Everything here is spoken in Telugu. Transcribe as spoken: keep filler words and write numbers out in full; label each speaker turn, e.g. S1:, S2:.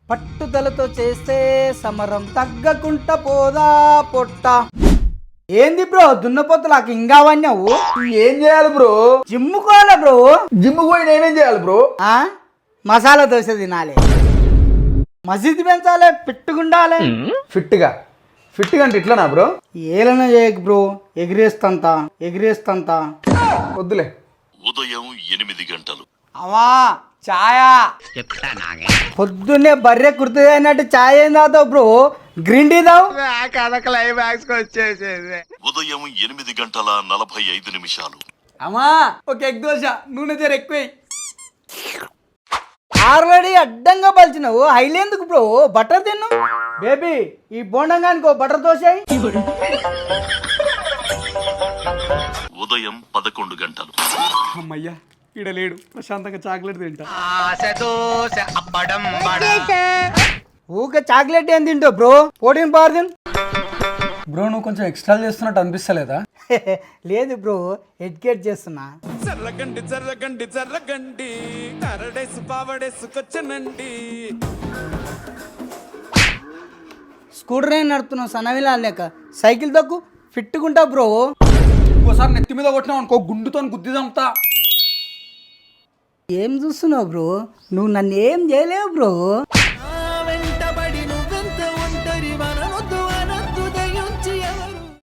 S1: పట్టుదలతో చేస్తే సమరం తగ్గకుంట పోదా పొట్ట. ఏంది బ్రో దున్నపోతులాకి ఇంకా అవన్నావు?
S2: ఏం చేయాలి బ్రో?
S1: జిమ్ముకోవాలి బ్రో.
S2: జిమ్ పోయి నేనేం చేయాలి బ్రో?
S1: ఆ మసాలా దోశ తినాలి, మసీదు పెంచాలి, పిట్టుకుండాలి.
S2: ఫిట్గా ఫిట్గా అంటే ఇట్లానా బ్రో?
S1: ఏలన చేయకు బ్రో, ఎగిరేస్తంత ఎగిరేస్తంత.
S2: వద్దులే.
S3: ఉదయం ఎనిమిది గంటలు.
S1: అవా ఛాయా పొద్దున్నే బర్రె కుర్తుంది అన్నట్టు ఛాయ్ ఏం తాగుతావు బ్రో? గ్రీన్ టీ తావు.
S3: ఉదయం ఎనిమిది గంటల నలభై ఐదు నిమిషాలు.
S2: అమ్మా ఒక ఎగ్ దోశ, నూనె జర ఎక్కువ.
S1: ఆల్రెడీ అడ్డంగా పలిచినావు, హైలేందుకు బ్రో? బటర్ తిన్ను బేబీ. ఈ బోండంగానికో బటర్ దోశ.
S3: ఉదయం పదకొండు గంటలు.
S2: అమ్మయ్యా ఈడ లేడు, ప్రశాంతంగా చాక్లెట్ తింటా.
S1: ఊక చాక్లెట్ ఏం తింటావు బ్రో? ప్రోటీన్ పవర్ తిన్
S2: బ్రో. నువ్వు కొంచెం ఎక్స్ట్రా చేస్తున్నట్టు అనిపిస్తలేదా?
S1: లేదు బ్రో, ఎడ్యుకేట్ చేస్తున్నా.
S4: జర్రగండి జర్రగండి జర్రగండి కరడేసు పావడేసుకొచ్చనండి.
S1: స్కూటర్ ఏం నడుపుతున్నావు సన్నవిలా లేక? సైకిల్ తక్కు ఫిట్టుకుంటావు బ్రో.
S2: ఇంకోసారి నెత్తి మీద కొట్టినావు అనుకో, గుండుతో గుద్ది చంపుతా.
S1: ఏం చూస్తున్నావు బ్రో? నువ్వు నన్ను ఏం చేయలేవు బ్రో.